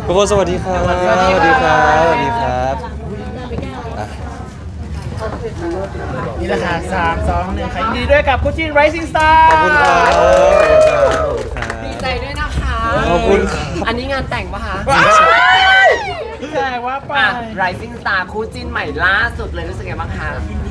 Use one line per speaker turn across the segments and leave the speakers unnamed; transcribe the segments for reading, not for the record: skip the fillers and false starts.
ทุกคนสวัสดีครับสวัสดีครับสวัสดีครับอ่ะ
นี่แหละค่ะ3 2 1ค่ะยินดีด้วยกับคู่จิ้น Rising Star
ขอบคุณครับขอบคุณครับ
ดีใจด้วยนะคะ
ขอบคุณครับ
อันนี้งานแต่งปะคะ
แจ้งว่าไป
อ่ะ Rising Star คู่จิ้นใหม่ล่าสุดเลยรู้สึกไงบ้างคะ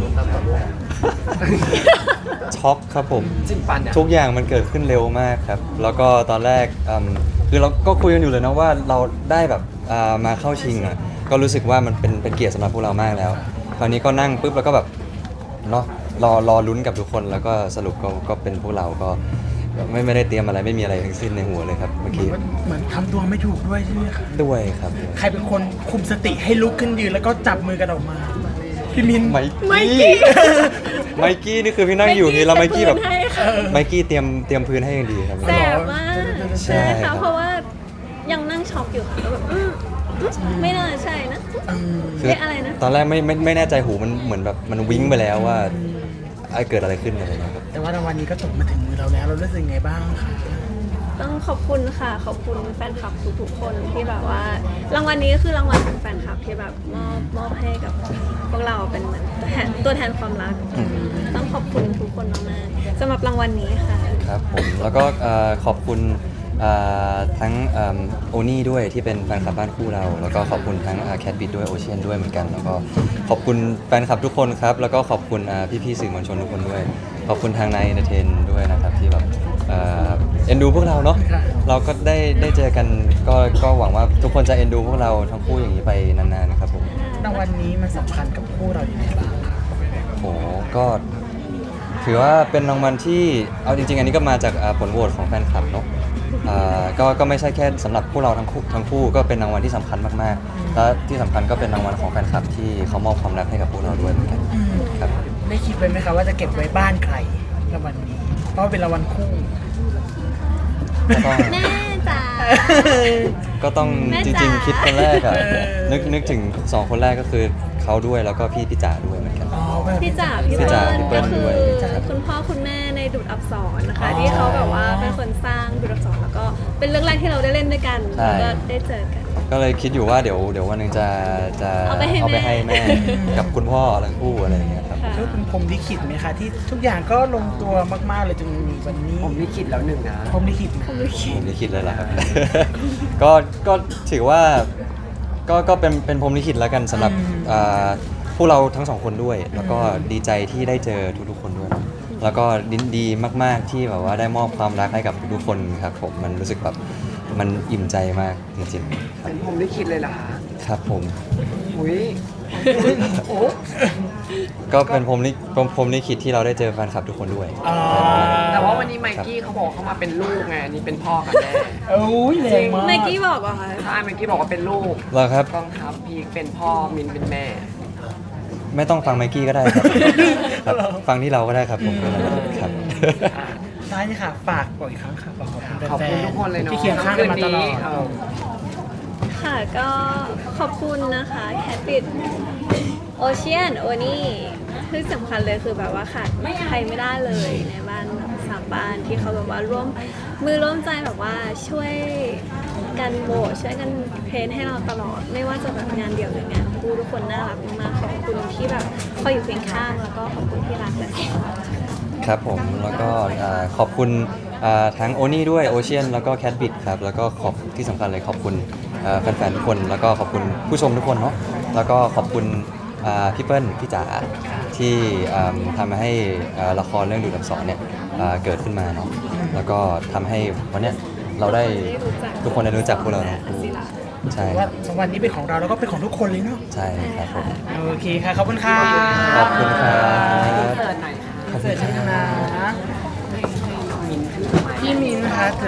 ช็อกครับผม
จิ้นปันเนี่ย
ทุกอย่างมันเกิดขึ้นเร็วมากครับ แล้วก็ตอนแรกคือเราก็คุยกันอยู่เลยนะว่าเราได้แบบมาเข้าชิงอ่ะก็รู้สึกว่ามันเป็นเกียรติสำหรับพวกเรามากแล้ว คราวนี้ก็นั่งปุ๊บแล้วก็แบบเนาะรอลุ้นกับทุกคนแล้วก็สรุปก็เป็นพวกเราก็ไม่ได้เตรียมอะไรไม่มีอะไรทั้งสิ้นในหัวเลยครับเมื่อกี้
เหมือนทำตัวไม่ถูกด้วยใช่ไหมคะ
ด้วยครับ
ใครเป็นคนคุมสติให้ลุกขึ้นยืนแล้วก็จับมือกันออกมา พี่มิน
ไมกี้ไมกี้นี่คือพี่นั่งอยู่นี่แล้วไมกี้แบบไมกี้เตรียมพื้นให้อย่างดีครับ
แสบมาก
ใช่
ใช่
ครั
ค่ะ
บ
เพราะว่ายังนั่งช็อกอยู่ค่ะแล้วแบบไม่น่าใช่นะ
คือ
เรียกอะไรนะ
ตอนแรกไม่แน่ใจหูมันเหมือนแบบมันวิ้งไปแล้วว่าไอ้เกิดอะไรขึ้นอะไรนะครับ
แต่ว่ารางวัลนี้ก็ตกมาถึงมือเราแล้วเรารู้สึกไงบ้างคะ
ต้องขอบคุณค่ะ ขอบคุณแฟนคลับทุกๆคนที่แบบว่า รางวัลนี้คือรางวัลของแฟนคลับที่แบบมอบให้กับพวกเราเป็นเหมือนตัวแทนความรัก ต้องขอบคุณทุกคนมากๆสำหรับรางวัลนี้ค่ะ
ครับผมแล้วก็ขอบคุณทั้งโอนี่ด้วยที่เป็นแฟนคลับบ้านคู่เรา แล้วก็ขอบคุณทั้งแคทบิดด้วยโอเชียนด้วยเหมือนกัน แล้วก็ขอบคุณแฟนคลับทุกคนครับแล้วก็ขอบคุณพี่ๆสื่อมวลชนทุกคนด้วย ขอบคุณทางนายเอนเตอร์เทนด้วยนะครับที่แบบเอ็นดูพวกเราเนาะเราก็ได้เจอกันก็หวังว่าทุกคนจะเอ็นดูพวกเราทั้งคู่อย่างนี้ไปนานๆครับผม
รางวัลนี้มันสำคัญกับคู่เราอย่างไรบ้างคะ
โหก็ถือว่าเป็นรางวัลที่เอาจริงๆ อันนี้ก็มาจากผลโหวตของแฟนคลับเนาะก็ไม่ใช่แค่สำหรับพวกเราทั้งคู่ก็เป็นรางวัลที่สำคัญมากๆและที่สำคัญก็เป็นรางวัลของแฟนคลับที่เขามอบความรักให้กับพวกเราด้วยเหมือนกันครับ
ได้คิดไว้ไหมคะว่าจะเก็บไว้บ้านใครรางวัลนี้เพราะว่าเป็นรางวัลคู่
ก็ต้อง
แม่จ๋า
ก็ต้อง
แม่
จ
จ๋า
ริงๆคิดคนแรกอะ
เออ
นึกถึง2คนแรกก็คือเขาด้วยแล้วก็พี่จ๋าด้วยเหมือนกัน
อ๋อแบบ
พี่จ๋าพี่
พี่
เปิ้
จ๋า
ล
พี่เปิ้
ก็
ล
คื
ด้วย
คุณพ่อคุณแม่ในดุจอักษรนะคะ
อ๋อ
ที่เขาแบบว่าเป็นคนสร้างดุจอักษรแล้วก็เป็นเรื่องแรกที่เราได้เล่นด้วยกัน
ใช่
แล้วก็ได้เจอกัน
ก็เลยคิดอยู่ว่าเดี๋ยววันหนึงจะ
เอาไปให้
เอาไป
แม่
ให้แม่ กับคุณพ่อทั้งคู่อะไรอย่างเงี้ยครับ
ค่ะ
แล้วเป็นพรหมลิขิตไหมคะที่ทุกอย่างก็ลงตัวมากๆเลยจนมีวันนี้
ผมลิขิตแล้วหนึ่งนะ
พรหมลิขิตนะ
ผมลิขิตเลยล่ะครับ ก็ถือว่าก็เป็นพรหมลิขิตแล้วกันสำหรับพวกเราทั้งสองคนด้วย แล้วก็ดีใจที่ได้เจอทุกๆคนด้วย แล้วก็ดีมากๆที่แบบว่าได้มอบความรักให้กับทุกๆคนครับผมมันรู้สึกแบบมันอิ่มใจมากจริงๆครับ
เป็นผมลิขิตเลยเหรอคะ
ครับผม
อุ้ยโอ้
ก็เป็นพรหมลิขิตที่เราได้เจอแฟนคลับทุกคนด้วย
อ่า
แต่ว่าวันนี้ไมกี้เขาบอกเขามาเป็นลูกไงอันนี่เป็นพ่อกับแม่
โอ้ยแรงมาก
ไมกี้บอกเหรอคะ
ใช่ไมกี้บอกว่าเป็นลูก
แล้วครับ
กองทัพพีคเป็นพ่อมินเป็นแม่
ไม่ต้องฟังไมกี้ก็ได้ครับ ครับฟังที่เราก็ได้ครับผมครับ
ท้ายนี่ค่ะ ฝากบอกอีกครั้งค่ะบอกขอบคุณ
ขอบ
แฟ
คุณ
น
ทุกคนเลย
ๆ
เนาะ
ที่เคียงข้างกันมาตลอด
เออ
ค่ะก็ขอบคุณนะคะแคทบิดโอเชียนโอนี่ที่สำคัญเลยคือแบบว่าขาดใครไม่ได้เลยในบ้านแบบสามบ้านที่เขาแบบว่าร่วมมือร่วมใจแบบว่าช่วยกันโหวตช่วยกันเพลนให้เราตลอด ไม่ว่าจะแบบงานเดี่ยวหรืองานคู่ทุกคนน่ารักมากๆขอบคุณที่แบบคอยอยู่เคียงข้างแล้วก็ขอบคุณที่รักและสปอร์ต
ครับผมแล้วก็ขอบคุณทั้งโอนี่ด้วยโอเชียนแล้วก็แคทบิดครับแล้วก็ขอบที่สำคัญเลยขอบคุณแฟนๆทุกคนแล้วก็ขอบคุณผู้ชมทุกคนเนาะแล้วก็ขอบคุณพี่เปิ้ลพี่จ๋าที่ทำให้ละครเรื่องดูดอักษรเนี่ยเกิดขึ้นมาเนาะแล้วก็ทำให้วันเนี้ยเราได้ทุกคนได้รู้จักพวกเราทั้งคู่ใช่
ว่ารางวัลนี้เป็นของเราแล้วก็เป็นของทุกคนเลยเนาะ
ใช่ครับผม
โอเคค่ะ ขอบคุณค่ะ
ขอบคุณครับ
เสิร์ตหน่อยค่ะ
เสิร์ชชนะ
มินถือไม้
พี่มินนะคะเถิด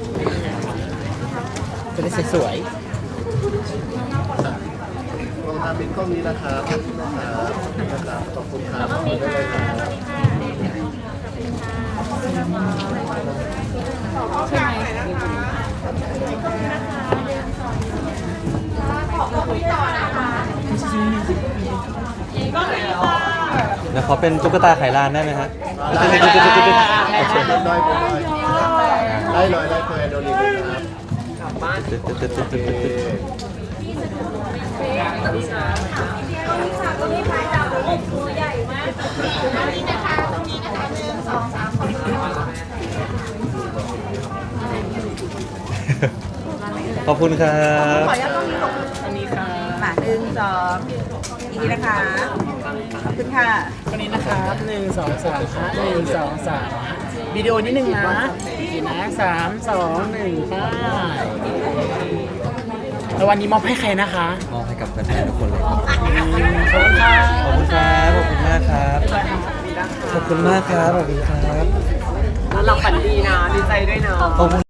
จะได้สวย
ลงทางเป็นกล้องนี้นะครับนะครับขอบคุณครับ
เดี๋ยวขอเป็นตุ๊กตาไขลานได้ไหมฮะ
ได้เลยได้เลยได้เลยได้เลยครับ
บ้าน
ตึ๊ดตึ๊ดตึ๊ดตึ๊ดตึ๊ดตึ๊ดขอบคุณครับ
อันนี้ค่ะ
มา1 2อีกทีนะคะ ขอบคุณค่ะ
อันนี้นะครับ1 2 3ค่ะ1 2 3วิดีโอนิดนึงนะอีกนะ3 2 1ไปแล้ววันนี้มอบให้ใครนะคะ
มอบให้กับแฟนๆทุกคนเลยครับ
ขอบคุณค่ะ
ขอบคุณครับขอบคุณมากครับขอบคุณมากครับขอบคุณครับ
แล้วเราฝันดีนะดีใจด้วยเนาะ
ขอบคุณ